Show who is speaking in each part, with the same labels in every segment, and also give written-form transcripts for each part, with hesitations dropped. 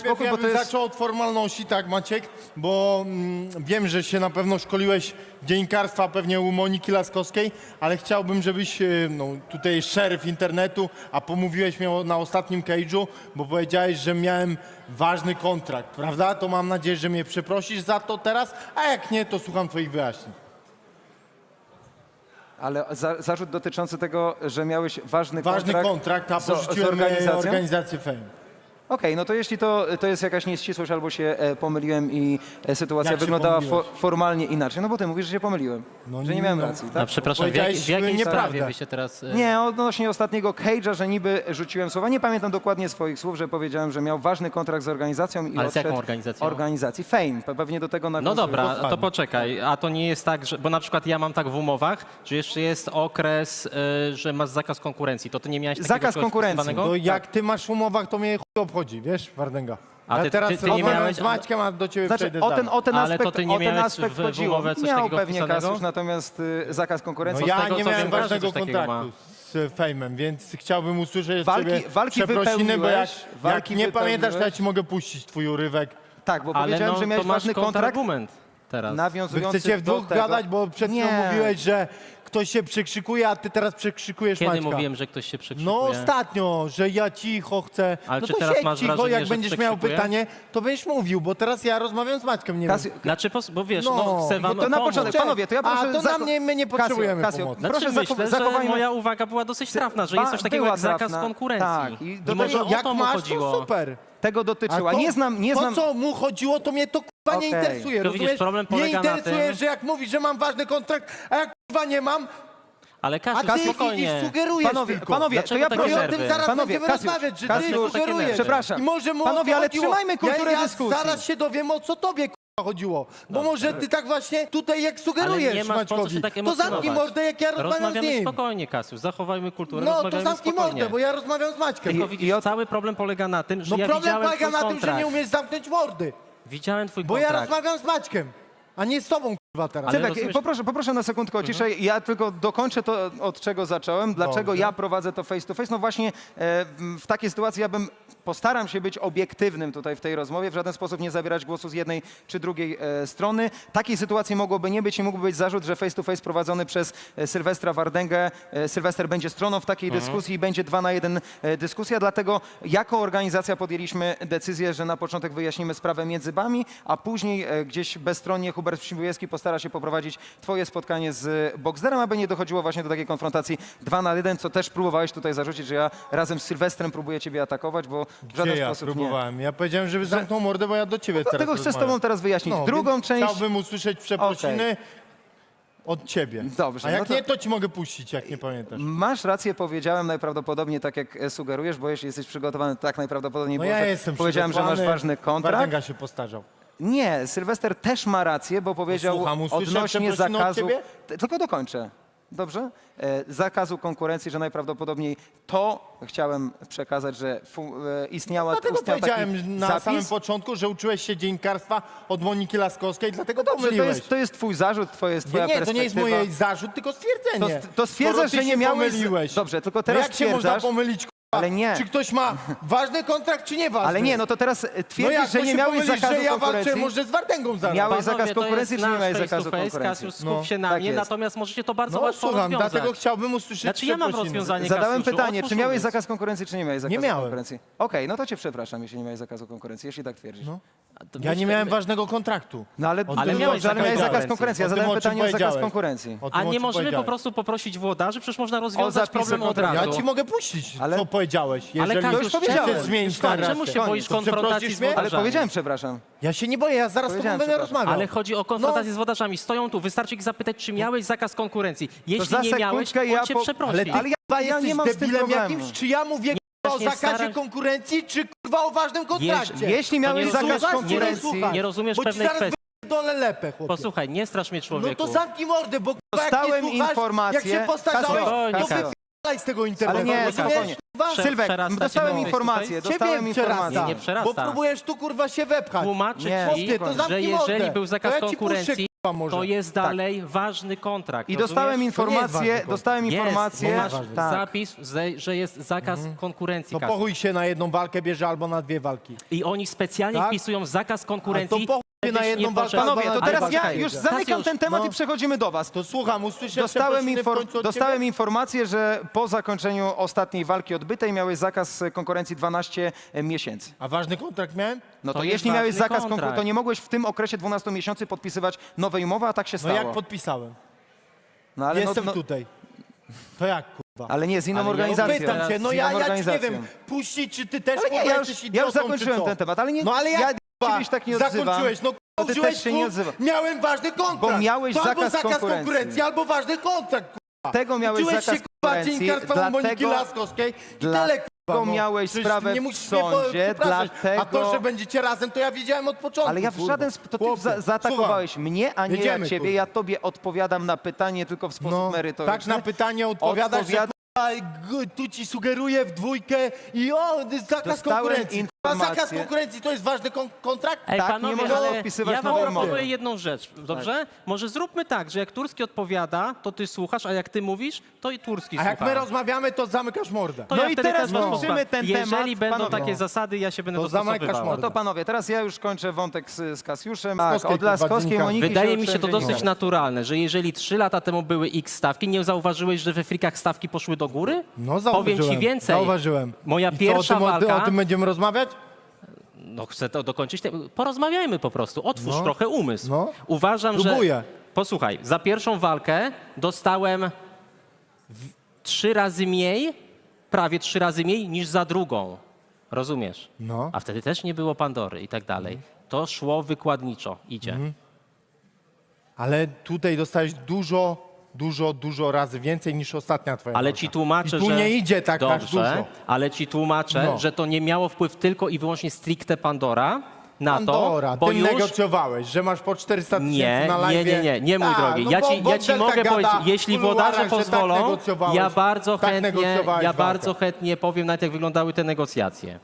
Speaker 1: spokój, bo to jest...
Speaker 2: zaczął od formalności, tak Maciek, bo wiem, że się na pewno szkoliłeś dziennikarstwa pewnie u Moniki Laskowskiej, ale chciałbym, żebyś, no tutaj jest szeryf internetu, a pomówiłeś mnie na ostatnim cage'u, bo powiedziałeś, że miałem ważny kontrakt, prawda? To mam nadzieję, że mnie przeprosisz za to teraz, a jak nie, to słucham twoich wyjaśnień.
Speaker 1: Ale zarzut dotyczący tego, że miałeś ważny
Speaker 2: kontrakt, a
Speaker 1: z
Speaker 2: porzuciłem organizację Fame.
Speaker 1: Okej, no to jeśli to jest jakaś nieścisłość albo się pomyliłem i sytuacja
Speaker 2: Jak się
Speaker 1: wyglądała
Speaker 2: pomyliłeś?
Speaker 1: formalnie inaczej, no bo ty mówisz, że się pomyliłem,
Speaker 2: No
Speaker 1: że nie miałem
Speaker 2: no.
Speaker 1: racji,
Speaker 3: No
Speaker 1: tak?
Speaker 3: przepraszam,
Speaker 2: Powiedziałeś
Speaker 3: w jakiej
Speaker 2: nieprawdę.
Speaker 3: sprawie wy się teraz...
Speaker 1: Nie, odnośnie ostatniego cage'a, że niby rzuciłem słowa. Nie pamiętam dokładnie swoich słów, że powiedziałem, że miał ważny kontrakt z organizacją i
Speaker 3: Ale z jaką
Speaker 1: odszedł
Speaker 3: organizacją?
Speaker 1: Organizacji Fame. Pewnie do tego
Speaker 3: No
Speaker 1: nawiązuje.
Speaker 3: dobra,
Speaker 2: Dokładnie.
Speaker 3: to poczekaj, a to nie jest tak, że, bo na przykład ja mam tak w umowach, że jeszcze jest okres, że masz zakaz konkurencji, to ty nie miałeś takiego
Speaker 1: Zakaz
Speaker 3: czegoś
Speaker 1: konkurencji.
Speaker 3: wpisywanego?
Speaker 2: To jak ty masz w umowach, to mnie chuj obchodzi, wiesz, Wardęga.
Speaker 3: A
Speaker 2: Ja
Speaker 3: ty-
Speaker 2: teraz
Speaker 3: ty nie
Speaker 2: rozmawiam
Speaker 3: miałeś-
Speaker 2: z Maćkiem, a do ciebie
Speaker 1: Znaczy,
Speaker 2: przejdę
Speaker 1: o ten
Speaker 3: Ale
Speaker 1: aspekt,
Speaker 3: to ty nie
Speaker 1: o ten
Speaker 3: miałeś
Speaker 1: aspekt
Speaker 3: w
Speaker 1: chodziło.
Speaker 3: umowę coś
Speaker 1: Miał
Speaker 3: takiego
Speaker 1: pewnie
Speaker 3: wpisanego?
Speaker 1: Kasiusz, natomiast zakaz konkurencji.
Speaker 2: No ja
Speaker 3: tego,
Speaker 2: nie
Speaker 3: co
Speaker 2: miałem
Speaker 3: wiem, każdy
Speaker 2: ważnego
Speaker 3: coś takiego
Speaker 2: kontraktu z Fejmem, więc chciałbym usłyszeć od ciebie
Speaker 1: Walki
Speaker 2: przeprosiny, bo jak
Speaker 1: walki
Speaker 2: nie pamiętasz, to ja
Speaker 1: wypełniłeś.
Speaker 2: ci mogę puścić twój urywek.
Speaker 1: Tak, bo
Speaker 3: Ale
Speaker 1: powiedziałem,
Speaker 3: no,
Speaker 1: że miałeś
Speaker 3: to masz
Speaker 1: ważny kontrakt
Speaker 3: kontrargument teraz.
Speaker 2: Wy
Speaker 1: nawiązujący
Speaker 2: chcecie w
Speaker 1: do
Speaker 2: dwóch
Speaker 1: tego.
Speaker 2: gadać, bo przed chwilą
Speaker 1: Nie.
Speaker 2: mówiłeś, że ktoś się przekrzykuje, a ty teraz przekrzykujesz
Speaker 3: Kiedy
Speaker 2: Maćka.
Speaker 3: mówiłem, że ktoś się przekrzykuje?
Speaker 2: No ostatnio, że ja cicho chcę.
Speaker 3: Ale
Speaker 2: no
Speaker 3: czy
Speaker 2: to
Speaker 3: teraz
Speaker 2: siedź
Speaker 3: masz
Speaker 2: cicho,
Speaker 3: wrażenie,
Speaker 2: jak
Speaker 3: że
Speaker 2: będziesz miał
Speaker 3: przekrzykuje?
Speaker 2: pytanie, to będziesz mówił, bo teraz ja rozmawiam z Maćkiem, nie wiem.
Speaker 3: Znaczy, bo wiesz,
Speaker 2: No,
Speaker 3: no, chcę wam
Speaker 1: to na
Speaker 3: pomóc.
Speaker 1: początek, panowie, to ja proszę...
Speaker 2: A to na mnie, my nie potrzebujemy
Speaker 1: Kasio,
Speaker 2: pomocy.
Speaker 3: Znaczy,
Speaker 1: proszę
Speaker 3: myślę, że
Speaker 1: zachowajmy...
Speaker 3: moja uwaga była dosyć trafna, że jest coś takiego
Speaker 1: była
Speaker 3: jak zakaz
Speaker 1: trafna.
Speaker 3: konkurencji.
Speaker 1: Tak, i do
Speaker 3: I może
Speaker 1: tego-
Speaker 3: o
Speaker 2: Jak
Speaker 3: to mu
Speaker 2: masz,
Speaker 3: chodziło.
Speaker 2: to super.
Speaker 1: Tego dotyczyła.
Speaker 2: to,
Speaker 1: Nie znam...
Speaker 2: To, co mu chodziło, to mnie to kurwa nie
Speaker 1: Okej.
Speaker 2: interesuje.
Speaker 3: To widzisz,
Speaker 2: rozumiesz?
Speaker 3: problem
Speaker 2: Nie
Speaker 3: polega na
Speaker 2: interesuje,
Speaker 3: tym-
Speaker 2: że jak mówisz, że mam ważny kontrakt, a jak kurwa nie mam,
Speaker 3: Ale
Speaker 2: a
Speaker 3: Kasiu,
Speaker 2: ty
Speaker 3: spokojnie.
Speaker 2: sugerujesz
Speaker 1: Panowie,
Speaker 2: tylko.
Speaker 1: panowie, to
Speaker 3: Dlaczego
Speaker 1: ja
Speaker 3: takie
Speaker 2: I o
Speaker 1: proszę...
Speaker 2: tym
Speaker 3: nerwy?
Speaker 2: zaraz
Speaker 1: Panowie,
Speaker 2: będziemy
Speaker 1: Kasiusz,
Speaker 2: rozmawiać, że
Speaker 1: Kasiusz,
Speaker 2: ty
Speaker 3: takie
Speaker 2: sugerujesz.
Speaker 3: nerwy.
Speaker 1: Przepraszam.
Speaker 2: I może mu
Speaker 1: Panowie,
Speaker 2: o to
Speaker 1: ale
Speaker 2: chodziło.
Speaker 1: trzymajmy kulturę
Speaker 2: ja
Speaker 1: dyskusji.
Speaker 2: Zaraz się dowiem, o co tobie kurwa chodziło. Bo może ty tak właśnie tutaj jak
Speaker 3: Ale
Speaker 2: sugerujesz
Speaker 3: nie masz po co
Speaker 2: Maćkowi.
Speaker 3: się tak
Speaker 2: To
Speaker 3: emocjonować.
Speaker 2: zamknij mordę, jak ja rozmawiam z
Speaker 3: Rozmawiamy
Speaker 2: nim.
Speaker 3: spokojnie, Kasiu, zachowajmy kulturę,
Speaker 2: No to
Speaker 3: rozmawiamy
Speaker 2: zamknij
Speaker 3: spokojnie.
Speaker 2: mordę, bo ja rozmawiam z Maćkiem.
Speaker 3: Tylko widzisz, cały problem polega na tym, że
Speaker 2: No
Speaker 3: ja
Speaker 2: problem
Speaker 3: widziałem
Speaker 2: polega
Speaker 3: twój
Speaker 2: na tym, że
Speaker 3: kontrakt.
Speaker 2: nie umiesz zamknąć mordy.
Speaker 3: Widziałem twój
Speaker 2: Bo ja
Speaker 3: kontrakt.
Speaker 2: rozmawiam z Maćkiem, a nie z tobą kurwa teraz.
Speaker 3: Ale
Speaker 1: Cybek,
Speaker 3: rozumiesz-
Speaker 1: poproszę na sekundkę o ciszę. Ja tylko dokończę to, od czego zacząłem. Dlaczego
Speaker 2: Dobrze.
Speaker 1: ja prowadzę to face to face? No właśnie w takiej sytuacji ja postaram się być obiektywnym tutaj w tej rozmowie, w żaden sposób nie zabierać głosu z jednej czy drugiej strony. Takiej sytuacji mogłoby nie być i mógłby być zarzut, że face to face prowadzony przez Sylwestra Wardęgę. Sylwester będzie stroną w takiej dyskusji i będzie 2 na 1 dyskusja, dlatego jako organizacja podjęliśmy decyzję, że na początek wyjaśnimy sprawę między wami, a później gdzieś bezstronnie Hubert Przybujewski postara się poprowadzić twoje spotkanie z Boxderem, aby nie dochodziło właśnie do takiej konfrontacji 2 na 1, co też próbowałeś tutaj zarzucić, że ja razem z Sylwestrem próbuję ciebie atakować, bo w żaden
Speaker 2: Gdzie ja
Speaker 1: sposób nie.
Speaker 2: próbowałem? Ja powiedziałem, żeby zamknął mordę, bo ja do ciebie teraz
Speaker 1: Dlatego chcę z
Speaker 2: rozmawiam.
Speaker 1: tobą teraz wyjaśnić.
Speaker 2: No,
Speaker 1: Drugą
Speaker 2: więc
Speaker 1: część...
Speaker 2: Chciałbym usłyszeć przeprosiny od ciebie.
Speaker 1: Dobrze,
Speaker 2: A jak
Speaker 1: no to-
Speaker 2: nie, to ci mogę puścić, jak nie pamiętasz.
Speaker 1: Masz rację, powiedziałem najprawdopodobniej tak, jak sugerujesz, bo jeśli jesteś przygotowany, tak najprawdopodobniej
Speaker 2: No
Speaker 1: było,
Speaker 2: ja
Speaker 1: że
Speaker 2: jestem
Speaker 1: powiedziałem, że masz
Speaker 2: przygotowany.
Speaker 1: ważny kontrakt.
Speaker 2: Wardęga się postarzał.
Speaker 1: Nie, Sylwester też ma rację, bo powiedział
Speaker 2: słucham, usłyszę
Speaker 1: odnośnie
Speaker 2: przeprosiny od
Speaker 1: zakazu...
Speaker 2: ciebie?
Speaker 1: Tylko dokończę. Dobrze? Zakazu konkurencji, że najprawdopodobniej to chciałem przekazać, że istniał
Speaker 2: Dlatego
Speaker 1: taki
Speaker 2: powiedziałem na
Speaker 1: zapis.
Speaker 2: samym początku, że uczyłeś się dziennikarstwa od Moniki Laskowskiej, dlatego
Speaker 1: Dobrze,
Speaker 2: pomyliłeś.
Speaker 1: to jest twój zarzut, twoja
Speaker 2: Nie,
Speaker 1: perspektywa.
Speaker 2: to nie jest mój zarzut, tylko stwierdzenie.
Speaker 1: To stwierdzasz,
Speaker 2: Skoro ty
Speaker 1: że nie
Speaker 2: się
Speaker 1: miałeś...
Speaker 2: pomyliłeś.
Speaker 1: Dobrze, tylko
Speaker 2: No
Speaker 1: teraz
Speaker 2: jak się można
Speaker 1: stwierdzasz...
Speaker 2: pomylić, k***a?
Speaker 1: Ale nie.
Speaker 2: Czy ktoś ma ważny kontrakt, czy nie ważny?
Speaker 1: Ale nie, no to teraz
Speaker 2: no
Speaker 1: twierdzisz,
Speaker 2: jak
Speaker 1: że
Speaker 2: to
Speaker 1: nie
Speaker 2: się
Speaker 1: miałeś
Speaker 2: pomylisz,
Speaker 1: zakazu
Speaker 2: że ja walczę
Speaker 1: konkurencji?
Speaker 2: może z Wardęgą zaraz.
Speaker 1: Miałeś zakaz
Speaker 3: Panowie, to
Speaker 1: konkurencji,
Speaker 3: jest
Speaker 1: czy nie miałeś
Speaker 3: nasz face
Speaker 1: zakazu
Speaker 3: to face,
Speaker 1: konkurencji?
Speaker 3: Kasiu, skup się na
Speaker 1: tak
Speaker 3: mnie,
Speaker 1: jest.
Speaker 3: natomiast możecie to bardzo
Speaker 2: No
Speaker 3: łatwo
Speaker 2: słucham,
Speaker 3: rozwiązać.
Speaker 2: dlatego chciałbym usłyszeć
Speaker 3: Znaczy ja mam
Speaker 2: przeprosiny.
Speaker 3: rozwiązanie,
Speaker 1: Zadałem
Speaker 3: Kasiuszu,
Speaker 1: pytanie,
Speaker 3: otwórz
Speaker 1: czy miałeś
Speaker 3: umysł.
Speaker 1: zakaz konkurencji, czy nie miałeś zakazu
Speaker 2: miałem.
Speaker 1: konkurencji? Okej, no to cię przepraszam, jeśli nie miałeś zakazu konkurencji, jeśli tak twierdzisz.
Speaker 2: No.
Speaker 3: To
Speaker 2: Ja nie
Speaker 3: myślę-
Speaker 2: miałem ważnego kontraktu.
Speaker 1: No ale,
Speaker 2: O
Speaker 3: Ale
Speaker 2: tym,
Speaker 3: miałeś
Speaker 2: o czym
Speaker 1: ale miałeś zakaz
Speaker 2: powiedziałeś.
Speaker 1: konkurencji, ja
Speaker 2: O tym,
Speaker 1: zadałem
Speaker 2: o czym
Speaker 1: pytanie o zakaz
Speaker 2: powiedziałeś.
Speaker 1: konkurencji.
Speaker 2: O tym,
Speaker 3: A
Speaker 2: o
Speaker 3: nie
Speaker 2: czym
Speaker 3: możemy po
Speaker 2: powiedziałeś.
Speaker 3: prostu poprosić włodarzy? Przecież można rozwiązać
Speaker 1: zapisy
Speaker 3: problem od
Speaker 1: kontraktu.
Speaker 3: razu.
Speaker 2: Ja ci mogę puścić,
Speaker 1: Ale-
Speaker 2: co powiedziałeś.
Speaker 3: Ale
Speaker 2: Jeżeli
Speaker 3: Kasiusz,
Speaker 1: już powiedziałem.
Speaker 2: chcesz zmienić
Speaker 3: Stary,
Speaker 2: narrację.
Speaker 3: czemu się boisz
Speaker 2: To
Speaker 3: konfrontacji
Speaker 2: przeprosisz
Speaker 3: z
Speaker 2: mnie?
Speaker 1: Ale
Speaker 3: wodarzami?
Speaker 1: powiedziałem przepraszam.
Speaker 2: Ja się nie boję, ja zaraz z tobą
Speaker 1: Powiedziałem,
Speaker 2: będę
Speaker 1: przepraszam.
Speaker 2: rozmawiał.
Speaker 3: Ale chodzi o konfrontację z wodarzami. Stoją tu, wystarczy ich zapytać, czy miałeś zakaz konkurencji. Jeśli
Speaker 1: za
Speaker 3: nie miałeś,
Speaker 1: sekundkę
Speaker 3: on cię przeprosi.
Speaker 2: Ale ty
Speaker 1: Ale ja
Speaker 2: kurwa,
Speaker 1: nie
Speaker 2: jesteś
Speaker 1: mam z tym
Speaker 2: debilem
Speaker 1: problemu.
Speaker 2: jakimś, czy ja mówię kurwa, o
Speaker 3: nie
Speaker 2: zakazie
Speaker 3: staram-
Speaker 2: konkurencji, czy kurwa o ważnym kontrakcie?
Speaker 1: Jeśli miałeś
Speaker 3: nie
Speaker 1: zakaz
Speaker 3: rozumiesz-
Speaker 1: konkurencji...
Speaker 3: nie rozumiesz
Speaker 2: bo ci
Speaker 3: pewnej
Speaker 2: zaraz
Speaker 3: kwestii.
Speaker 2: dole lepę, chłopie.
Speaker 3: Posłuchaj, nie strasz mnie,
Speaker 2: No
Speaker 3: człowieku.
Speaker 2: to zamknij mordę, bo kurwa, jak
Speaker 1: Dostałem
Speaker 2: nie słuchasz,
Speaker 1: informację-
Speaker 2: jak się postarzałeś,
Speaker 1: Kasio,
Speaker 2: to
Speaker 3: Kasio.
Speaker 2: wypalaj z tego internetu.
Speaker 1: Ale nie,
Speaker 2: rozumiesz,
Speaker 1: spokojnie.
Speaker 2: kurwa?
Speaker 3: Prze-
Speaker 1: Sylwek,
Speaker 3: przerasta
Speaker 1: dostałem
Speaker 3: ci face to
Speaker 1: informację,
Speaker 3: face?
Speaker 1: dostałem
Speaker 2: Ciebie
Speaker 1: informację.
Speaker 2: przerasta,
Speaker 3: Nie, nie przerasta.
Speaker 2: bo próbujesz tu kurwa się wepchać.
Speaker 3: Tłumaczę
Speaker 1: Nie.
Speaker 3: ci,
Speaker 2: Chłopie, to
Speaker 3: że
Speaker 2: zamknij
Speaker 3: jeżeli
Speaker 2: mordę.
Speaker 3: był zakaz
Speaker 2: To ja ci puszczę,
Speaker 3: konkurencji,
Speaker 2: może.
Speaker 3: To jest dalej ważny kontrakt.
Speaker 1: I dostałem
Speaker 3: rozumiesz?
Speaker 1: informację,
Speaker 3: Jest, masz
Speaker 1: tak.
Speaker 3: zapis, że jest zakaz konkurencji.
Speaker 2: To
Speaker 3: Kasiu.
Speaker 2: pochuj się na jedną walkę bierze albo na 2 walki.
Speaker 3: I oni specjalnie
Speaker 2: Tak?
Speaker 3: wpisują zakaz konkurencji.
Speaker 2: A to pochuj się na
Speaker 3: żebyś
Speaker 2: jedną
Speaker 3: nie
Speaker 2: walkę
Speaker 3: poszedł-
Speaker 2: albo
Speaker 1: Panowie, to
Speaker 2: Ale
Speaker 1: teraz ja
Speaker 3: poczekaj.
Speaker 1: już zamykam
Speaker 3: Kasiusz,
Speaker 1: ten temat
Speaker 2: no.
Speaker 1: i przechodzimy do was.
Speaker 2: To słucham, usłyszę
Speaker 1: Dostałem,
Speaker 2: przeprosiny w końcu od
Speaker 1: dostałem
Speaker 2: ciebie?
Speaker 1: informację, że po zakończeniu ostatniej walki odbytej miałeś zakaz konkurencji 12 miesięcy.
Speaker 2: A ważny kontrakt miałem?
Speaker 1: No to,
Speaker 3: To jest
Speaker 1: jeśli miałeś
Speaker 3: ważny
Speaker 1: zakaz
Speaker 3: kontrakt.
Speaker 1: konkurencji, to nie mogłeś w tym okresie 12 miesięcy podpisywać nowej umowy, a tak się
Speaker 2: No
Speaker 1: stało.
Speaker 2: jak podpisałem?
Speaker 1: No, ale,
Speaker 2: Jestem
Speaker 1: no,
Speaker 2: tutaj. To jak, kurwa?
Speaker 1: ale nie, z inną
Speaker 3: Ale ja
Speaker 1: organizacją.
Speaker 2: Pytam cię, no
Speaker 1: Z inną
Speaker 2: ja ci nie
Speaker 1: organizacją.
Speaker 2: wiem, puścić, czy ty też,
Speaker 1: Ale nie,
Speaker 2: kurwa,
Speaker 1: ja już
Speaker 2: jesteś
Speaker 1: ja
Speaker 2: idiotą,
Speaker 1: zakończyłem
Speaker 2: czy co?
Speaker 1: ten temat, ale nie,
Speaker 2: No ale
Speaker 1: ja
Speaker 2: jak, kurwa,
Speaker 1: ciebie tak nie odzywam.
Speaker 2: zakończyłeś? No,
Speaker 1: To ty
Speaker 2: użyłeś
Speaker 1: też się nie
Speaker 2: słów,
Speaker 1: odzywasz.
Speaker 2: miałem ważny kontrakt.
Speaker 1: Bo miałeś
Speaker 2: to albo
Speaker 1: zakaz
Speaker 2: zakaz
Speaker 1: konkurencji.
Speaker 2: albo ważny kontrakt, kurwa.
Speaker 1: Tego miałeś
Speaker 2: Uczyłeś
Speaker 1: zakaz
Speaker 2: się, kurwa,
Speaker 1: konkurencji,
Speaker 2: dziennikarstwa u Moniki
Speaker 1: dlatego-
Speaker 2: Laskowskiej i tyle,
Speaker 1: dlatego
Speaker 2: kurwa.
Speaker 1: miałeś
Speaker 2: Przecież
Speaker 1: sprawę
Speaker 2: nie
Speaker 1: w
Speaker 2: musisz mnie
Speaker 1: sądzie,
Speaker 2: przepraszać. A
Speaker 1: dlatego-
Speaker 2: to, że będziecie razem, to ja wiedziałem od początku,
Speaker 1: Ale ja w
Speaker 2: kurwa.
Speaker 1: żaden sposób, to ty
Speaker 2: Chłopie,
Speaker 1: zaatakowałeś mnie, a nie
Speaker 2: Jedziemy,
Speaker 1: ja ciebie.
Speaker 2: kurwa.
Speaker 1: Ja tobie odpowiadam na pytanie tylko w sposób
Speaker 2: No,
Speaker 1: merytoryczny.
Speaker 2: tak na pytanie odpowiadasz,
Speaker 1: Odpowiada-
Speaker 2: że tu ci sugeruję w dwójkę i zakaz
Speaker 1: Dostałem
Speaker 2: konkurencji. A zakaz
Speaker 1: informację-
Speaker 2: konkurencji to jest ważny kontrakt?
Speaker 3: Ej,
Speaker 1: Tak, nie
Speaker 3: panowie,
Speaker 1: można
Speaker 3: ale
Speaker 1: podpisywać
Speaker 3: ja wam
Speaker 1: nowej
Speaker 3: proponuję
Speaker 1: umowy.
Speaker 3: jedną rzecz, dobrze? Może zróbmy tak, że jak Turski odpowiada, to ty słuchasz, a jak ty mówisz, to i Turski
Speaker 2: A jak
Speaker 3: słucha.
Speaker 2: my rozmawiamy, to zamykasz mordę.
Speaker 3: To
Speaker 1: No
Speaker 3: ja
Speaker 1: i
Speaker 3: wtedy
Speaker 1: teraz
Speaker 3: też was
Speaker 1: kończymy
Speaker 3: posłucham.
Speaker 1: ten
Speaker 3: Jeżeli
Speaker 1: temat,
Speaker 3: będą
Speaker 1: panowie.
Speaker 3: takie zasady, ja się będę
Speaker 2: To zamykasz
Speaker 3: dostosowywał.
Speaker 2: mordę.
Speaker 1: No to panowie, teraz ja już kończę wątek z Kasiuszem.
Speaker 2: Laskowskiej,
Speaker 1: Tak, od Laskowskiej,
Speaker 2: kurwa,
Speaker 1: Moniki
Speaker 3: Wydaje
Speaker 1: się
Speaker 3: mi się to
Speaker 1: uczyłem
Speaker 3: dosyć
Speaker 1: dziennikarstwa.
Speaker 3: naturalne, że jeżeli 3 lata temu były X stawki, nie zauważyłeś, że we frikach stawki poszły do góry?
Speaker 2: No zauważyłem.
Speaker 3: Powiem ci więcej.
Speaker 2: Zauważyłem.
Speaker 3: Moja
Speaker 2: I
Speaker 3: pierwsza
Speaker 2: co,
Speaker 3: walka...
Speaker 2: o tym będziemy rozmawiać?
Speaker 3: No chcę to dokończyć. Porozmawiajmy po prostu. Otwórz
Speaker 2: No.
Speaker 3: trochę umysł.
Speaker 2: No.
Speaker 3: Uważam,
Speaker 2: Próbuję.
Speaker 3: że... Posłuchaj, za pierwszą walkę dostałem 3 razy mniej, prawie 3 razy mniej niż za drugą. Rozumiesz?
Speaker 2: No.
Speaker 3: A wtedy też nie było Pandory i tak dalej. To szło wykładniczo. Idzie.
Speaker 2: Mhm. Ale tutaj dostałeś dużo razy więcej niż ostatnia twoja
Speaker 3: Ale
Speaker 2: walka.
Speaker 3: ci tłumaczę,
Speaker 2: I tu
Speaker 3: że...
Speaker 2: nie idzie tak aż
Speaker 3: Dobrze,
Speaker 2: dużo.
Speaker 3: ale ci tłumaczę,
Speaker 2: No.
Speaker 3: że to nie miało wpływ tylko i wyłącznie stricte Pandora na
Speaker 2: Pandora,
Speaker 3: to, bo
Speaker 2: ty
Speaker 3: już...
Speaker 2: negocjowałeś, że masz po 400 tysięcy
Speaker 3: Nie,
Speaker 2: na live.
Speaker 3: nie, mój drogi. Ja ci mogę powiedzieć, jeśli włodarze pozwolą, ja bardzo chętnie powiem, nawet jak wyglądały te negocjacje.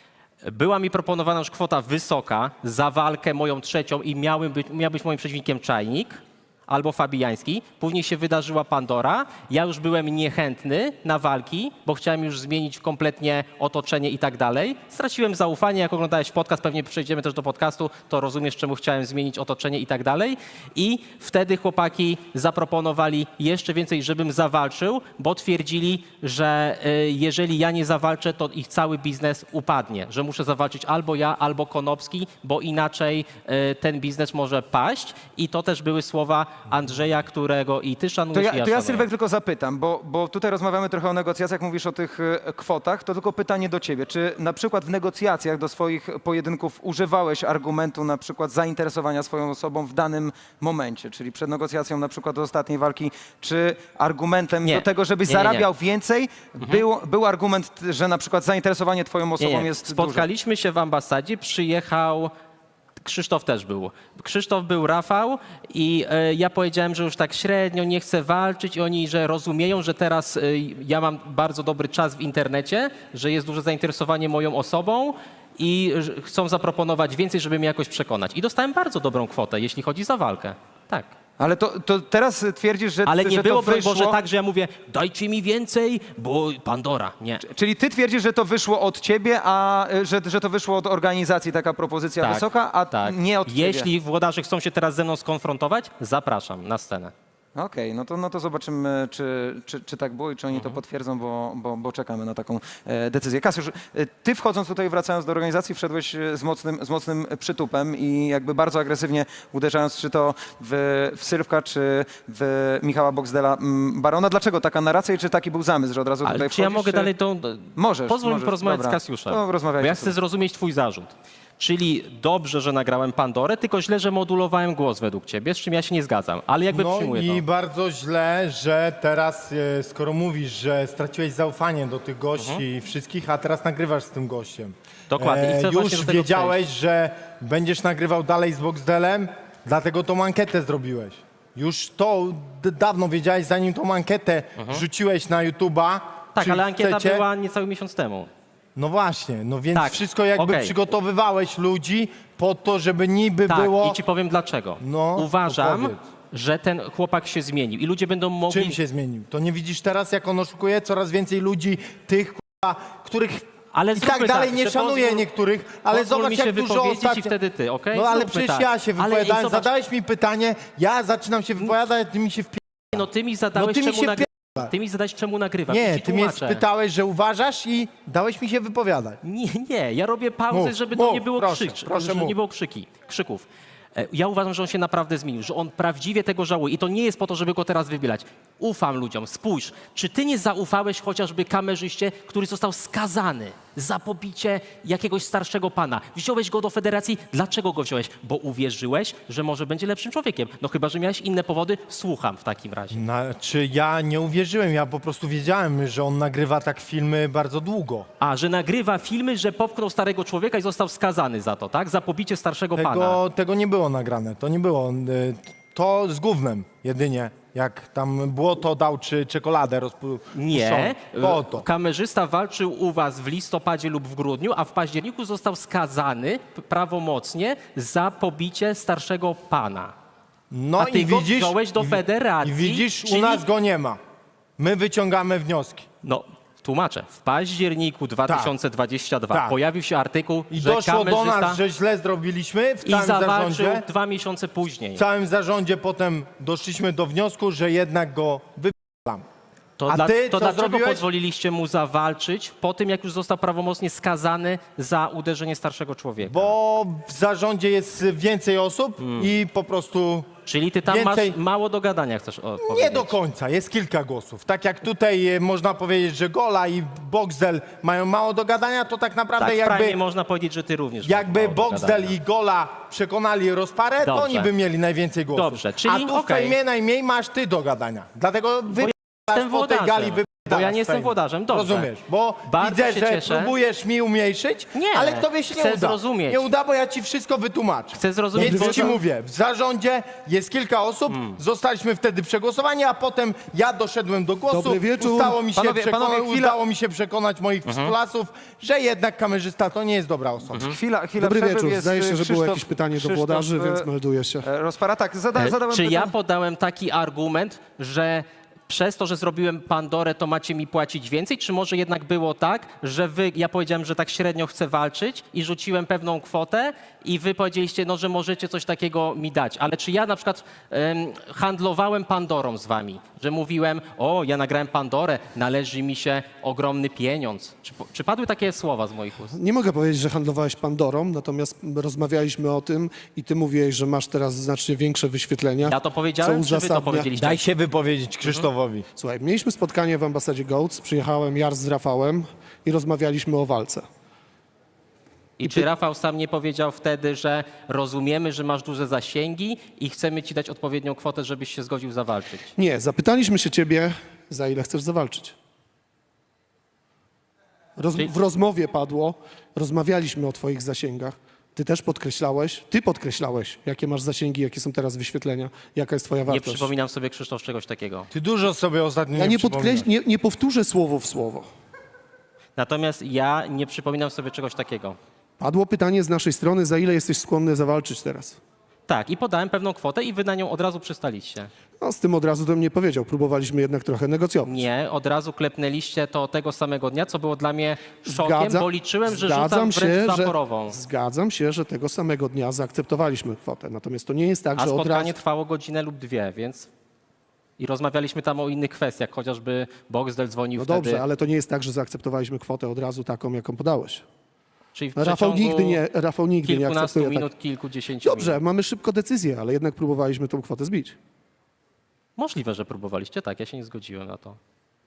Speaker 3: Była mi proponowana już kwota wysoka za walkę moją trzecią i miał być moim przeciwnikiem Czajnik albo Fabijański. Później się wydarzyła Pandora. Ja już byłem niechętny na walki, bo chciałem już zmienić kompletnie otoczenie i tak dalej. Straciłem zaufanie, jak oglądałeś podcast, pewnie przejdziemy też do podcastu, to rozumiesz, czemu chciałem zmienić otoczenie i tak dalej. I wtedy chłopaki zaproponowali jeszcze więcej, żebym zawalczył, bo twierdzili, że jeżeli ja nie zawalczę, to ich cały biznes upadnie, że muszę zawalczyć albo ja, albo Konopski, bo inaczej ten biznes może paść. I to też były słowa Andrzeja, którego i ty szanujesz, i ja
Speaker 1: To ja
Speaker 3: szanuję.
Speaker 1: Sylwek tylko zapytam, bo tutaj rozmawiamy trochę o negocjacjach, mówisz o tych kwotach, to tylko pytanie do ciebie. Czy na przykład w negocjacjach do swoich pojedynków używałeś argumentu na przykład zainteresowania swoją osobą w danym momencie, czyli przed negocjacją na przykład do ostatniej walki, czy argumentem
Speaker 3: Nie.
Speaker 1: do tego, żebyś
Speaker 3: Nie, nie, nie.
Speaker 1: zarabiał więcej, był argument, że na przykład zainteresowanie twoją osobą
Speaker 3: Nie.
Speaker 1: jest duże?
Speaker 3: Spotkaliśmy się w ambasadzie, przyjechał Krzysztof też był. Krzysztof był, Rafał i ja powiedziałem, że już tak średnio nie chcę walczyć i oni, że rozumieją, że teraz ja mam bardzo dobry czas w internecie, że jest duże zainteresowanie moją osobą i chcą zaproponować więcej, żeby mnie jakoś przekonać. I dostałem bardzo dobrą kwotę, jeśli chodzi za walkę. Tak.
Speaker 1: Ale to teraz twierdzisz, że,
Speaker 3: Ale nie
Speaker 1: że
Speaker 3: było,
Speaker 1: to wyszło...
Speaker 3: Boże, tak, że ja mówię, dajcie mi więcej, bo Pandora. Nie.
Speaker 1: Czyli ty twierdzisz, że to wyszło od ciebie, a że to wyszło od organizacji taka propozycja
Speaker 3: Tak,
Speaker 1: wysoka, a
Speaker 3: tak.
Speaker 1: nie od ciebie.
Speaker 3: Jeśli włodarze chcą się teraz ze mną skonfrontować, zapraszam na scenę.
Speaker 1: Okej, no to zobaczymy, czy tak było i czy oni to potwierdzą, bo czekamy na taką decyzję. Kasiusz, ty wchodząc tutaj, wracając do organizacji, wszedłeś z mocnym przytupem i jakby bardzo agresywnie uderzając, czy to w Sylwka, czy w Michała Boxdela Barona. Dlaczego taka narracja i czy taki był zamysł, że od razu
Speaker 3: Ale
Speaker 1: tutaj
Speaker 3: czy ja
Speaker 1: wchodzisz,
Speaker 3: mogę
Speaker 1: czy...
Speaker 3: dalej tą...
Speaker 1: Możesz.
Speaker 3: Pozwól mi porozmawiać
Speaker 1: dobra.
Speaker 3: z Kasiuszem.
Speaker 1: No,
Speaker 3: Bo
Speaker 1: rozmawiajcie
Speaker 3: ja
Speaker 1: sobie.
Speaker 3: chcę zrozumieć twój zarzut. Czyli dobrze, że nagrałem Pandorę, tylko źle, że modulowałem głos według ciebie, z czym ja się nie zgadzam. Ale jakby
Speaker 2: No
Speaker 3: przyjmuję
Speaker 2: i
Speaker 3: to.
Speaker 2: bardzo źle, że teraz, skoro mówisz, że straciłeś zaufanie do tych gości wszystkich, a teraz nagrywasz z tym gościem.
Speaker 3: Dokładnie. I chcę właśnie
Speaker 2: Już
Speaker 3: do tego
Speaker 2: wiedziałeś, że będziesz nagrywał dalej z Boxdelem, dlatego tą ankietę zrobiłeś. Już to dawno wiedziałeś, zanim tą ankietę wrzuciłeś na YouTube'a.
Speaker 3: Tak,
Speaker 2: czy
Speaker 3: ale ankieta
Speaker 2: chcecie.
Speaker 3: była niecały miesiąc temu.
Speaker 2: No właśnie, no więc
Speaker 3: Tak,
Speaker 2: wszystko jakby
Speaker 3: okej.
Speaker 2: przygotowywałeś ludzi po to, żeby niby
Speaker 3: Tak,
Speaker 2: było...
Speaker 3: i ci powiem dlaczego.
Speaker 2: No, to
Speaker 3: Uważam,
Speaker 2: powiedz.
Speaker 3: że ten chłopak się zmienił i ludzie będą mogli...
Speaker 2: Czym się zmienił? To nie widzisz teraz, jak on oszukuje? Coraz więcej ludzi, tych, których
Speaker 3: Ale
Speaker 2: i tak
Speaker 3: zróbmy
Speaker 2: dalej
Speaker 3: tak,
Speaker 2: nie
Speaker 3: że
Speaker 2: szanuje
Speaker 3: pozwól-
Speaker 2: niektórych, ale
Speaker 3: pozwól
Speaker 2: zobacz,
Speaker 3: mi się
Speaker 2: jak dużo
Speaker 3: wypowiedzieć
Speaker 2: ostatnio...
Speaker 3: i wtedy ty, okej?
Speaker 2: No ale
Speaker 3: Zróbmy
Speaker 2: przecież
Speaker 3: tak.
Speaker 2: ja się
Speaker 3: Ale
Speaker 2: wypowiadałem,
Speaker 3: zobacz-
Speaker 2: zadałeś mi pytanie, ja zaczynam się wypowiadać, a ty mi się
Speaker 3: No ty mi zadałeś,
Speaker 2: ty mi
Speaker 3: czemu
Speaker 2: się
Speaker 3: nagrywasz. Ty mi zadałeś, czemu nagrywam. I
Speaker 2: Nie,
Speaker 3: ci
Speaker 2: ty mnie
Speaker 3: tłumaczę.
Speaker 2: spytałeś, że uważasz i dałeś mi się wypowiadać.
Speaker 3: Nie, ja robię pauzę,
Speaker 2: Mów,
Speaker 3: żeby
Speaker 2: mów,
Speaker 3: to nie było
Speaker 2: proszę, proszę,
Speaker 3: żeby
Speaker 2: mów.
Speaker 3: nie było krzyków. Ja uważam, że on się naprawdę zmienił, że on prawdziwie tego żałuje i to nie jest po to, żeby go teraz wybielać. Ufam ludziom. Spójrz, czy ty nie zaufałeś chociażby kamerzyście, który został skazany za pobicie jakiegoś starszego pana? Wziąłeś go do federacji. Dlaczego go wziąłeś? Bo uwierzyłeś, że może będzie lepszym człowiekiem. No chyba, że miałeś inne powody. Słucham w takim razie.
Speaker 2: Znaczy ja nie uwierzyłem, ja po prostu wiedziałem, że on nagrywa tak filmy bardzo długo.
Speaker 3: A, że nagrywa filmy, że popchnął starego człowieka i został skazany za to, tak? Za pobicie starszego pana.
Speaker 2: Tego nie było nagrane, to nie było. To z gównem jedynie, jak tam błoto dał czy czekoladę rozpuszczoną.
Speaker 3: Nie,
Speaker 2: To to.
Speaker 3: kamerzysta walczył u was w listopadzie lub w grudniu, a w październiku został skazany prawomocnie za pobicie starszego pana.
Speaker 2: No
Speaker 3: A ty
Speaker 2: i
Speaker 3: go
Speaker 2: widzisz,
Speaker 3: wziąłeś do federacji.
Speaker 2: I widzisz,
Speaker 3: czyli-
Speaker 2: u nas go nie ma. My wyciągamy wnioski.
Speaker 3: No, tłumaczę. W październiku 2022
Speaker 2: Tak.
Speaker 3: pojawił się artykuł,
Speaker 2: I
Speaker 3: że
Speaker 2: doszło do
Speaker 3: kamerzysta
Speaker 2: nas, że źle zrobiliśmy w
Speaker 3: i
Speaker 2: całym
Speaker 3: zawalczył
Speaker 2: zarządzie.
Speaker 3: 2 miesiące później.
Speaker 2: W całym zarządzie potem doszliśmy do wniosku, że jednak go wypieram.
Speaker 3: To,
Speaker 2: A ty
Speaker 3: to
Speaker 2: co
Speaker 3: dlaczego
Speaker 2: zrobiłeś?
Speaker 3: pozwoliliście mu zawalczyć po tym, jak już został prawomocnie skazany za uderzenie starszego człowieka?
Speaker 2: Bo w zarządzie jest więcej osób i po prostu
Speaker 3: Czyli ty tam
Speaker 2: więcej-
Speaker 3: masz mało do gadania, chcesz powiedzieć?
Speaker 2: nie do końca, jest kilka głosów. Tak jak tutaj można powiedzieć, że Gola i Boxdel mają mało do gadania, to tak naprawdę
Speaker 3: Tak, w
Speaker 2: jakby,
Speaker 3: Prime można powiedzieć, że ty również masz
Speaker 2: jakby
Speaker 3: mało do
Speaker 2: Boxdel
Speaker 3: gadania.
Speaker 2: i Gola przekonali rozparę, to
Speaker 3: Dobrze.
Speaker 2: oni by mieli najwięcej głosów.
Speaker 3: Dobrze, czyli
Speaker 2: A tu w
Speaker 3: okej.
Speaker 2: fejmie najmniej masz ty do gadania. Dlatego
Speaker 3: jestem
Speaker 2: po tej gali
Speaker 3: włodarzem. Bo ja nie jestem włodarzem, dobrze.
Speaker 2: Rozumiesz, bo
Speaker 3: Bardzo
Speaker 2: widzę,
Speaker 3: się
Speaker 2: że
Speaker 3: cieszę.
Speaker 2: próbujesz mi umniejszyć,
Speaker 3: Nie,
Speaker 2: ale tobie się nie
Speaker 3: chcę
Speaker 2: uda.
Speaker 3: zrozumieć.
Speaker 2: Nie uda, bo ja ci wszystko wytłumaczę.
Speaker 3: Chcę zrozumieć,
Speaker 2: Więc
Speaker 3: bo
Speaker 2: ci
Speaker 3: to-
Speaker 2: mówię, w zarządzie jest kilka osób, zostaliśmy wtedy przegłosowani, a potem ja doszedłem do głosu.
Speaker 4: Dobry wieczór.
Speaker 2: Udało mi się przekonać moich współlasów, że jednak kamerzysta to nie jest dobra osoba.
Speaker 1: Chwila
Speaker 4: Dobry
Speaker 1: przerwy,
Speaker 4: wieczór.
Speaker 1: jest
Speaker 4: Zdaje się, że było
Speaker 1: Krzysztof-
Speaker 4: jakieś pytanie do
Speaker 1: Krzysztof,
Speaker 4: włodarzy, więc melduję się.
Speaker 1: Rozpara, tak, zadałem
Speaker 3: Czy ja
Speaker 1: pytanie.
Speaker 3: podałem taki argument, że przez to, że zrobiłem Pandorę, to macie mi płacić więcej? Czy może jednak było tak, że ja powiedziałem, że tak średnio chcę walczyć i rzuciłem pewną kwotę i wy powiedzieliście, no, że możecie coś takiego mi dać. Ale czy ja na przykład handlowałem Pandorą z wami? Że mówiłem, o, ja nagrałem Pandorę, należy mi się ogromny pieniądz. Czy padły takie słowa z moich ust?
Speaker 4: Nie mogę powiedzieć, że handlowałeś Pandorą, natomiast rozmawialiśmy o tym i ty mówiłeś, że masz teraz znacznie większe wyświetlenia.
Speaker 3: Ja to powiedziałem, czy wy to powiedzieliście?
Speaker 2: Daj się wypowiedzieć Krzysztofowi.
Speaker 4: Słuchaj, mieliśmy spotkanie w ambasadzie Goats, przyjechałem Jar z Rafałem i rozmawialiśmy o walce.
Speaker 3: I czy Rafał sam nie powiedział wtedy, że rozumiemy, że masz duże zasięgi i chcemy ci dać odpowiednią kwotę, żebyś się zgodził zawalczyć?
Speaker 4: Nie, zapytaliśmy się ciebie, za ile chcesz zawalczyć. W rozmowie padło, rozmawialiśmy o twoich zasięgach. Ty podkreślałeś, jakie masz zasięgi, jakie są teraz wyświetlenia, jaka jest twoja
Speaker 3: Nie
Speaker 4: wartość.
Speaker 3: przypominam sobie, Krzysztof, czegoś takiego.
Speaker 2: Ty dużo sobie ostatnio
Speaker 4: Ja
Speaker 2: przypominasz.
Speaker 4: nie powtórzę słowo w słowo.
Speaker 3: Natomiast ja nie przypominam sobie czegoś takiego.
Speaker 4: Padło pytanie z naszej strony, za ile jesteś skłonny zawalczyć teraz?
Speaker 3: Tak, i podałem pewną kwotę i wy na nią od razu przystaliście.
Speaker 4: No, z tym od razu to mnie powiedział. Próbowaliśmy jednak trochę negocjować.
Speaker 3: Nie, od razu klepnęliście to tego samego dnia, co było dla mnie szokiem, bo liczyłem, że rzucam wręcz zaporową.
Speaker 4: Zgadzam się, że tego samego dnia zaakceptowaliśmy kwotę. Natomiast to nie jest tak,
Speaker 3: A
Speaker 4: że od
Speaker 3: spotkanie
Speaker 4: razu...
Speaker 3: trwało godzinę lub dwie, więc... I rozmawialiśmy tam o innych kwestiach, chociażby Boxdel dzwonił
Speaker 4: No
Speaker 3: wtedy.
Speaker 4: dobrze, ale to nie jest tak, że zaakceptowaliśmy kwotę od razu taką, jaką podałeś.
Speaker 3: Czyli w
Speaker 4: Rafał
Speaker 3: przeciągu
Speaker 4: nigdy nie
Speaker 3: kilkunastu
Speaker 4: akceptuje
Speaker 3: minut,
Speaker 4: tak.
Speaker 3: kilkudziesięciu
Speaker 4: Dobrze,
Speaker 3: minut.
Speaker 4: mamy szybko decyzję, ale jednak próbowaliśmy tą kwotę zbić.
Speaker 3: Możliwe, że próbowaliście, tak, ja się nie zgodziłem na to.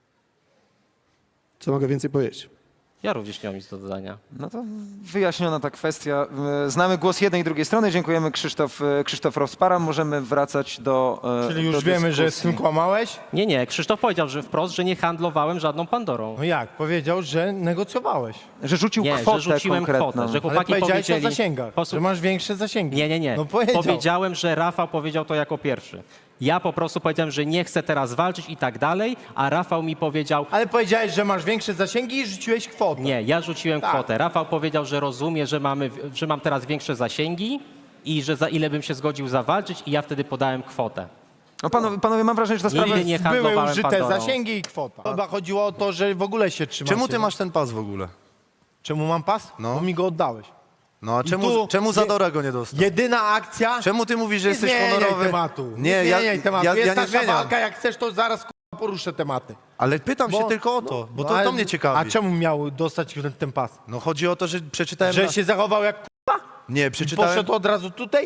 Speaker 4: Co mogę więcej powiedzieć?
Speaker 3: Ja również nie mam nic do dodania.
Speaker 1: No to wyjaśniona ta kwestia. Znamy głos jednej i drugiej strony. Dziękujemy Krzysztof Rozpara. Możemy wracać do
Speaker 2: Czyli już
Speaker 1: do
Speaker 2: wiemy, że z
Speaker 1: dyskusji.
Speaker 2: tym kłamałeś?
Speaker 3: Nie, Krzysztof powiedział, że wprost, że nie handlowałem żadną Pandorą.
Speaker 2: No jak? Powiedział, że negocjowałeś.
Speaker 1: Że rzucił
Speaker 3: Nie,
Speaker 1: kwotę
Speaker 3: że rzuciłem
Speaker 1: konkretną.
Speaker 3: kwotę, że
Speaker 2: Ale
Speaker 3: chłopaki
Speaker 2: powiedziałeś
Speaker 3: powiedzieli...
Speaker 2: o zasięgach,
Speaker 3: Posłuch-
Speaker 2: że masz większe zasięgi.
Speaker 3: Nie.
Speaker 2: No powiedział.
Speaker 3: Powiedziałem, że Rafał powiedział to jako pierwszy. Ja po prostu powiedziałem, że nie chcę teraz walczyć i tak dalej, a Rafał mi powiedział,
Speaker 2: Ale powiedziałeś, że masz większe zasięgi i rzuciłeś kwotę.
Speaker 3: nie, ja rzuciłem
Speaker 2: Tak.
Speaker 3: kwotę. Rafał powiedział, że rozumie, że mam teraz większe zasięgi i że za ile bym się zgodził zawalczyć i ja wtedy podałem kwotę.
Speaker 1: No panowie, mam wrażenie, że ta sprawa
Speaker 3: Nigdy nie
Speaker 2: Były
Speaker 3: handlowałem
Speaker 2: użyte
Speaker 3: Pandorą.
Speaker 2: zasięgi i kwota. Chyba chodziło o to, że w ogóle się trzymacie.
Speaker 5: Czemu ty masz ten pas w ogóle?
Speaker 2: Czemu mam pas?
Speaker 5: No.
Speaker 2: Bo mi go oddałeś.
Speaker 5: No a
Speaker 2: I
Speaker 5: czemu,
Speaker 2: tu
Speaker 5: czemu Zadora go nie dostał?
Speaker 2: Jedyna akcja...
Speaker 5: Czemu ty mówisz, że
Speaker 2: Nie
Speaker 5: jesteś
Speaker 2: zmieniaj
Speaker 5: honorowy?
Speaker 2: tematu.
Speaker 5: Nie, ja,
Speaker 2: zmieniaj tematu.
Speaker 5: ja,
Speaker 2: Jest
Speaker 5: ja nie
Speaker 2: nasza
Speaker 5: zmieniam.
Speaker 2: walka, jak chcesz, to zaraz k***a, poruszę tematy.
Speaker 5: Ale pytam się tylko o to, bo to,
Speaker 2: ale-
Speaker 5: to mnie ciekawi.
Speaker 2: A czemu miał dostać ten pas?
Speaker 5: No chodzi o to, że przeczytałem...
Speaker 2: Że się zachował jak k***a?
Speaker 5: Nie,
Speaker 2: I
Speaker 5: przeczytałem...
Speaker 2: poszedł od razu tutaj?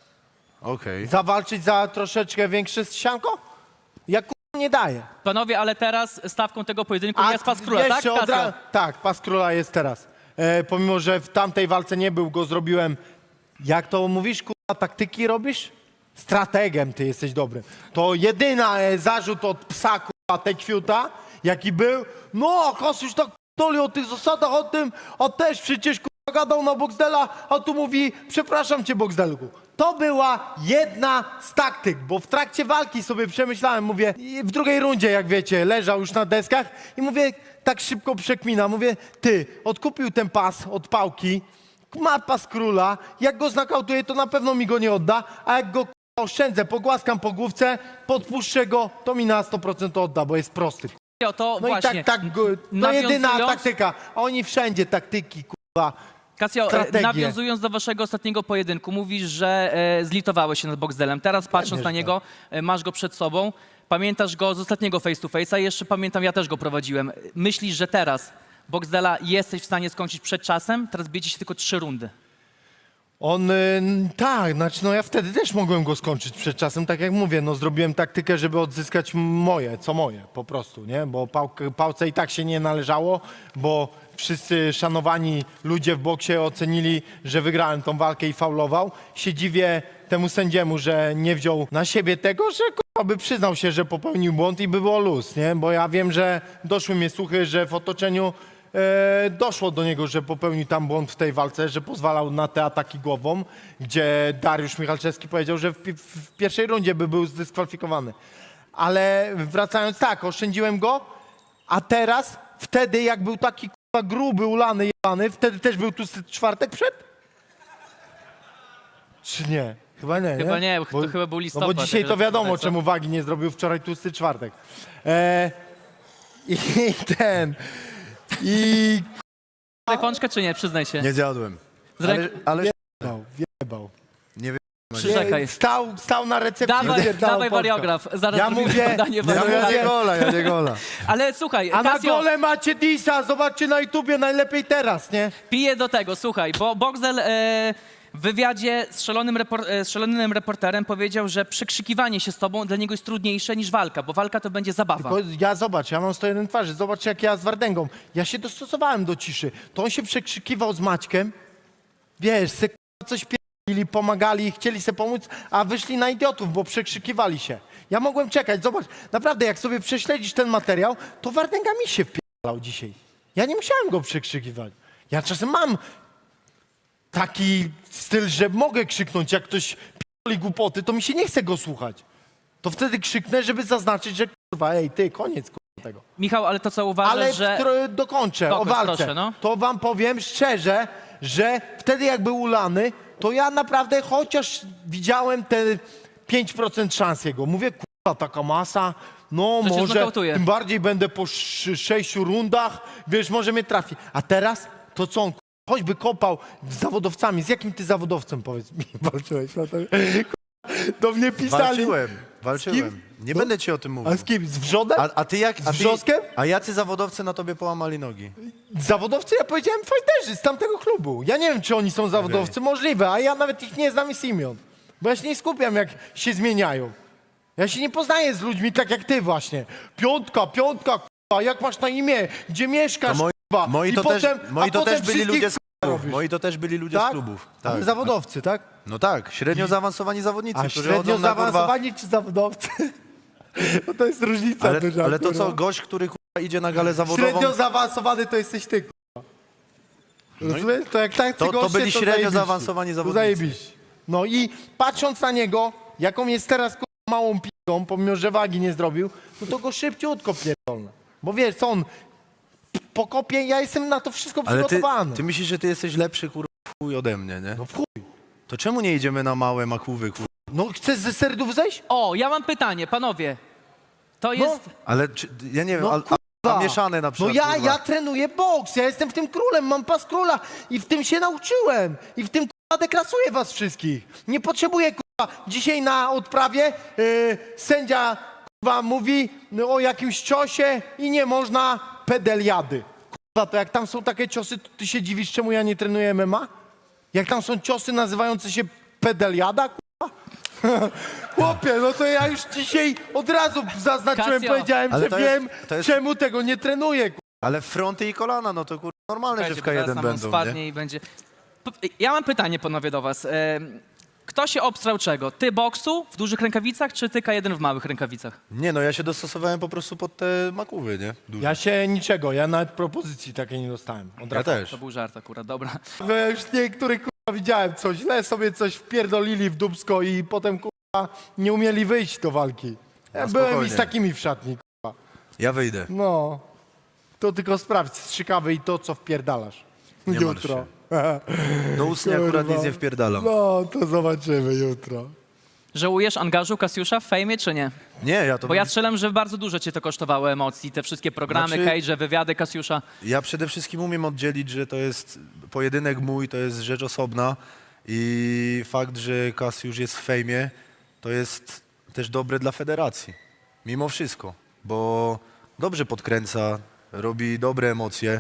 Speaker 5: Okej.
Speaker 2: Zawalczyć za troszeczkę większe sianko? Ja k***a nie daję.
Speaker 6: Panowie, ale teraz stawką tego pojedynku jest pas króla, tak?
Speaker 2: jeszcze od
Speaker 6: Kasio?
Speaker 2: Tak, pas króla jest teraz. Pomimo, że w tamtej walce nie był, go zrobiłem. Jak to mówisz, k***a, taktyki robisz? Strategiem ty jesteś dobry. To jedyna zarzut od psa, k***a, Tekwiuta, jaki był. No, Kosuś tak doli o tych zasadach, o tym, a też przecież k***a gadał na Boxdela, a tu mówi, przepraszam cię Boxdelku. To była jedna z taktyk, bo w trakcie walki sobie przemyślałem, mówię, i w drugiej rundzie, jak wiecie, leżał już na deskach i mówię, tak szybko przekmina, mówię, ty, odkupił ten pas od Pałki, ma pas króla, jak go znakautuje, to na pewno mi go nie odda, a jak go k***a, oszczędzę, pogłaskam po główce, podpuszczę go, to mi na 100% odda, bo jest prosty.
Speaker 6: To
Speaker 2: No
Speaker 6: właśnie.
Speaker 2: i tak, no jedyna
Speaker 6: nawiązując-
Speaker 2: taktyka, a oni wszędzie taktyki, k***a.
Speaker 6: Kasio,
Speaker 2: strategię.
Speaker 6: nawiązując do waszego ostatniego pojedynku, mówisz, że zlitowałeś się nad Boxdelem. Teraz patrząc na niego, masz go przed sobą, pamiętasz go z ostatniego face to face'a, jeszcze pamiętam, ja też go prowadziłem. Myślisz, że teraz Boxdela jesteś w stanie skończyć przed czasem? Teraz bijecie się tylko 3 rundy.
Speaker 2: On, tak, znaczy no ja wtedy też mogłem go skończyć przed czasem, tak jak mówię, no zrobiłem taktykę, żeby odzyskać moje, po prostu, nie? Bo Pałce i tak się nie należało, bo wszyscy szanowani ludzie w boksie ocenili, że wygrałem tą walkę i faulował. Się dziwię temu sędziemu, że nie wziął na siebie tego, że k***a, by przyznał się, że popełnił błąd i by było luz, nie? Bo ja wiem, że doszły mnie słuchy, że w otoczeniu doszło do niego, że popełnił tam błąd w tej walce, że pozwalał na te ataki głową, gdzie Dariusz Michalczewski powiedział, że w pierwszej rundzie by był zdyskwalifikowany. Ale wracając, tak, oszczędziłem go, a teraz, wtedy jak był taki k***a gruby, ulany, jebany, wtedy też był tu czwartek przed? Czy nie? Chyba nie,
Speaker 6: Chyba nie, to chyba był
Speaker 2: No
Speaker 6: listopad.
Speaker 2: bo dzisiaj
Speaker 6: jak
Speaker 2: to wiadomo,
Speaker 6: zapytać, co?
Speaker 2: czemu wagi nie zrobił wczoraj tłusty czwartek. I ten... I
Speaker 6: Daj pączkę czy nie? Przyznaj się.
Speaker 5: Nie zjadłem.
Speaker 6: Z ręk-
Speaker 5: Ale
Speaker 2: wjebał.
Speaker 5: nie wiem.
Speaker 6: Przyrzekaj.
Speaker 2: Stał na recepcji.
Speaker 6: Dawaj,
Speaker 2: wypierdalał
Speaker 6: dawaj
Speaker 2: pączka.
Speaker 6: wariograf. Zaraz
Speaker 2: Ja
Speaker 6: zrobimy
Speaker 2: mówię-
Speaker 6: badanie
Speaker 2: ja
Speaker 6: wariografu.
Speaker 2: mówię-
Speaker 5: Ja nie gola.
Speaker 6: Ale słuchaj,
Speaker 2: A na
Speaker 6: Kasio,
Speaker 2: dole macie Disa, zobaczcie na YouTubie, najlepiej teraz, nie?
Speaker 6: piję do tego, słuchaj, bo Boxdel w wywiadzie z szalonym reporterem powiedział, że przekrzykiwanie się z tobą dla niego jest trudniejsze niż walka, bo walka to będzie zabawa.
Speaker 2: Tylko ja mam 101 twarzy, zobacz jak ja z Wardęgą. Ja się dostosowałem do ciszy. To on się przekrzykiwał z Maćkiem, wiesz, se coś pierdzili, pomagali, chcieli se pomóc, a wyszli na idiotów, bo przekrzykiwali się. Ja mogłem czekać, zobacz, naprawdę jak sobie prześledzisz ten materiał, to Wardęga mi się wpierdalał dzisiaj. Ja nie musiałem go przekrzykiwać. Ja czasem mam taki styl, że mogę krzyknąć, jak ktoś pierdoli głupoty, to mi się nie chce go słuchać. To wtedy krzyknę, żeby zaznaczyć, że kurwa, ej, ty, koniec kurwa tego.
Speaker 6: Michał, ale to co uważasz,
Speaker 2: Ale
Speaker 6: że...
Speaker 2: dokończę o
Speaker 6: Dokończ,
Speaker 2: walce.
Speaker 6: proszę, no.
Speaker 2: To wam powiem szczerze, że wtedy jak był ulany, to ja naprawdę chociaż widziałem te 5% szans jego. Mówię, kurwa, taka masa, no
Speaker 6: To cię
Speaker 2: może,
Speaker 6: znokautuje.
Speaker 2: tym bardziej będę po 6 rundach, wiesz, może mnie trafi. A teraz to co on, choćby kopał z zawodowcami. Z jakim ty zawodowcem, powiedz mi, walczyłeś? No to, do mnie pisali.
Speaker 5: Walczyłem. Nie
Speaker 2: No.
Speaker 5: będę ci o tym mówił.
Speaker 2: A z kim? Z wrzodem?
Speaker 5: A ty jak?
Speaker 2: Z wrzoskiem?
Speaker 5: A jacy zawodowcy na tobie połamali nogi?
Speaker 2: Zawodowcy, ja powiedziałem fighterzy z tamtego klubu. Ja nie wiem, czy oni są zawodowcy, możliwe, a ja nawet ich nie znam z imion. Bo ja się nie skupiam, jak się zmieniają. Ja się nie poznaję z ludźmi tak jak ty właśnie. Piątka, k***a, jak masz na imię, gdzie mieszkasz, k***a.
Speaker 5: Moi
Speaker 2: I
Speaker 5: to
Speaker 2: potem,
Speaker 5: też byli
Speaker 2: wszystkich
Speaker 5: ludzie z klubów.
Speaker 2: robisz.
Speaker 5: Moi to też byli ludzie
Speaker 2: Tak?
Speaker 5: z klubów.
Speaker 2: Ale
Speaker 5: Tak.
Speaker 2: zawodowcy, tak?
Speaker 5: No tak, średnio zaawansowani zawodnicy,
Speaker 2: A
Speaker 5: którzy
Speaker 2: średnio
Speaker 5: chodzą na kurwa...
Speaker 2: zaawansowani czy zawodowcy? No to jest różnica duża,
Speaker 5: Ale to
Speaker 2: kurwa.
Speaker 5: co, gość, który kurwa idzie na galę zawodową...
Speaker 2: Średnio zaawansowany to jesteś ty, k***a. Rozumiesz? To jak tak
Speaker 5: to byli średnio
Speaker 2: zajebiście.
Speaker 5: zaawansowani
Speaker 2: To
Speaker 5: zawodnicy.
Speaker 2: zajebiście. No i patrząc na niego, jaką jest teraz k***a, małą on pomimo, że wagi nie zrobił, no to go szybciutko pierdolę. Bo wiesz, co on po kopie, ja jestem na to wszystko
Speaker 5: Ale
Speaker 2: przygotowany.
Speaker 5: ty myślisz, że ty jesteś lepszy, kurwa, w chuj ode mnie, nie?
Speaker 2: No w chuj.
Speaker 5: To czemu nie idziemy na małe makówy, kurwa?
Speaker 2: No chcesz ze serdów zejść?
Speaker 6: O, ja mam pytanie, panowie. To jest...
Speaker 5: Ale ja nie wiem,
Speaker 2: No,
Speaker 5: a mieszane na
Speaker 2: No
Speaker 5: przykład,
Speaker 2: ja
Speaker 5: kurwa.
Speaker 2: trenuję boks, ja jestem w tym królem, mam pas króla i w tym się nauczyłem. I w tym kurwa deklasuję was wszystkich. Nie potrzebuję kurwa, dzisiaj na odprawie sędzia kurwa mówi o jakimś ciosie i nie można pedeliady. Kurwa, to jak tam są takie ciosy, to ty się dziwisz, czemu ja nie trenuję MMA? Jak tam są ciosy nazywające się pedeliada, kurwa? Chłopie, no to ja już dzisiaj od razu zaznaczyłem,
Speaker 6: Kasio.
Speaker 2: powiedziałem,
Speaker 5: Ale
Speaker 2: że
Speaker 5: to jest-
Speaker 2: wiem,
Speaker 5: to jest-
Speaker 2: czemu tego nie trenuję, kurwa.
Speaker 5: Ale fronty i kolana, no to kurwa normalne, że w
Speaker 6: Słuchajcie, bo zaraz
Speaker 5: K1
Speaker 6: nam
Speaker 5: będą,
Speaker 6: spadnie
Speaker 5: nie?
Speaker 6: i będzie... Ja mam pytanie, panowie, do was. Kto się obstrał czego? Ty boksu w dużych rękawicach, czy ty K1 w małych rękawicach?
Speaker 5: Nie, no ja się dostosowałem po prostu pod te makówy, nie? Duże.
Speaker 2: Ja się niczego, ja nawet propozycji takiej nie dostałem. Od
Speaker 5: Ja
Speaker 2: razu.
Speaker 5: też.
Speaker 6: To był żart akurat, dobra.
Speaker 2: No ja już niektórych kurwa widziałem, co źle sobie coś wpierdolili w dubsko i potem kurwa nie umieli wyjść do walki. Ja
Speaker 5: No
Speaker 2: byłem i
Speaker 5: spokojnie.
Speaker 2: z takimi w szatni.
Speaker 5: Ja wyjdę.
Speaker 2: No, to tylko sprawdź strzykawy i to, co wpierdalasz.
Speaker 5: Nie martw
Speaker 2: Jutro.
Speaker 5: Do ustnie akurat
Speaker 2: Kurwa.
Speaker 5: nic nie wpierdalam.
Speaker 2: No, to zobaczymy jutro.
Speaker 6: Żałujesz angażu Kasiusza w fejmie, czy nie?
Speaker 5: Nie, ja to...
Speaker 6: Bo ja strzelam, że bardzo dużo cię to kosztowało emocji, te wszystkie programy,
Speaker 5: Znaczy-
Speaker 6: cage, wywiady Kasiusza.
Speaker 5: Ja przede wszystkim umiem oddzielić, że to jest pojedynek mój, to jest rzecz osobna i fakt, że Kasiusz jest w fejmie, to jest też dobre dla federacji. Mimo wszystko, bo dobrze podkręca, robi dobre emocje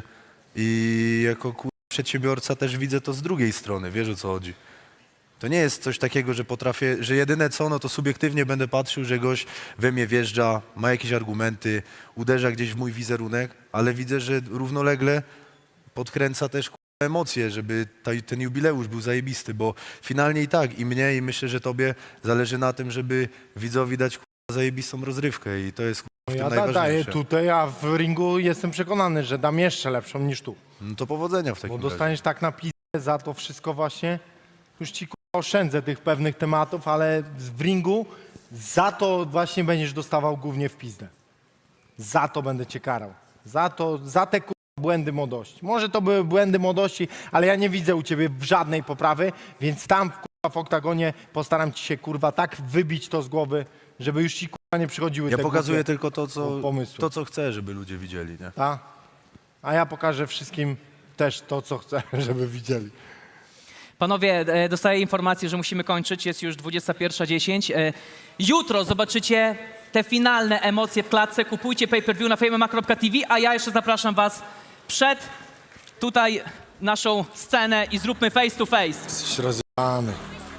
Speaker 5: i jako przedsiębiorca też widzę to z drugiej strony, wiesz o co chodzi. To nie jest coś takiego, że potrafię, że jedyne co, no to subiektywnie będę patrzył, że gość we mnie wjeżdża, ma jakieś argumenty, uderza gdzieś w mój wizerunek, ale widzę, że równolegle podkręca też emocje, żeby ten jubileusz był zajebisty, bo finalnie i tak, i mnie, i myślę, że tobie zależy na tym, żeby widzowi dać zajebistą rozrywkę i to jest w tym
Speaker 2: Ja daję
Speaker 5: najważniejsze.
Speaker 2: tutaj, a w ringu jestem przekonany, że dam jeszcze lepszą niż tu.
Speaker 5: No to powodzenia w takim
Speaker 2: Bo
Speaker 5: razie.
Speaker 2: dostaniesz tak na pizdę za to wszystko właśnie. Już ci kurwa oszczędzę tych pewnych tematów, ale w ringu za to właśnie będziesz dostawał głównie w pizdę. Za to będę cię karał. Za te kurwa błędy młodości. Może to były błędy młodości, ale ja nie widzę u ciebie żadnej poprawy, więc tam kurwa w oktagonie postaram ci się kurwa tak wybić to z głowy, żeby już ci kurwa nie przychodziły
Speaker 5: Ja
Speaker 2: te
Speaker 5: pokazuję
Speaker 2: głupie
Speaker 5: tylko
Speaker 2: pomysły.
Speaker 5: to, co chcę, żeby ludzie widzieli, nie?
Speaker 2: Ta? A ja pokażę wszystkim też to, co chcę, żeby widzieli.
Speaker 6: Panowie, dostaję informację, że musimy kończyć, jest już 21:10. Jutro zobaczycie te finalne emocje w klatce. Kupujcie pay-per-view na fejmema.tv, a ja jeszcze zapraszam was przed tutaj naszą scenę i zróbmy face to face.
Speaker 2: Jesteś rozjebany.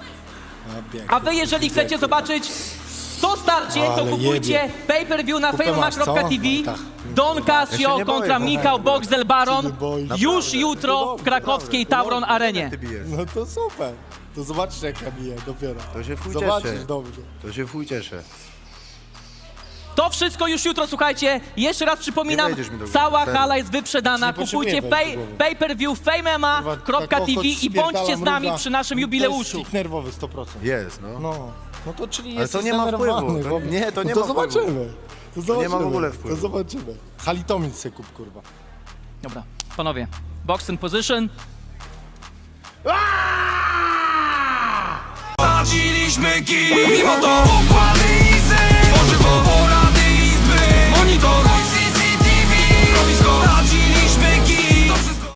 Speaker 6: A wy, jeżeli chcecie zobaczyć to starcie, to
Speaker 2: Ale
Speaker 6: kupujcie
Speaker 2: jebie.
Speaker 6: pay-per-view na
Speaker 2: Kupę masz, co?
Speaker 6: fejmema.tv.
Speaker 2: No tak.
Speaker 6: Don
Speaker 5: Ja się
Speaker 6: Casio
Speaker 5: nie
Speaker 6: kontra
Speaker 5: boję,
Speaker 6: Michał Boxdel Baron.
Speaker 2: Się nie boisz.
Speaker 6: Już jutro w krakowskiej Tauron Arenie.
Speaker 5: Ty bijesz.
Speaker 2: No to super. To zobaczysz, jak ja biję dopiero.
Speaker 5: To się w chuj
Speaker 2: Zobaczysz
Speaker 5: cieszę.
Speaker 2: dobrze.
Speaker 5: To się w chuj cieszę.
Speaker 6: To wszystko już jutro, słuchajcie. Jeszcze raz przypominam,
Speaker 5: Nie wejdziesz mi do głowy,
Speaker 6: cała
Speaker 5: serio.
Speaker 6: hala jest wyprzedana.
Speaker 2: Nie
Speaker 6: Kupujcie
Speaker 2: potrzebuję wejść do głowy.
Speaker 6: pay-per-view fejmema.tv i bądźcie z nami przy naszym jubileuszu.
Speaker 2: To jest nerwowy 100%.
Speaker 5: Jest, no.
Speaker 2: No to czyli
Speaker 5: Ale
Speaker 2: jesteś
Speaker 5: to nie ma
Speaker 2: zdenerwowany,
Speaker 5: wpływu. To-
Speaker 2: chłopie.
Speaker 5: nie, to nie
Speaker 2: no
Speaker 5: ma
Speaker 2: to
Speaker 5: wpływu.
Speaker 2: zobaczymy. To zobaczymy.
Speaker 5: nie ma w ogóle wpływu.
Speaker 2: To zobaczymy. Halitomin se kup, kurwa.
Speaker 6: Dobra, panowie. Box in position.
Speaker 7: Stawiliśmy kij, mimo to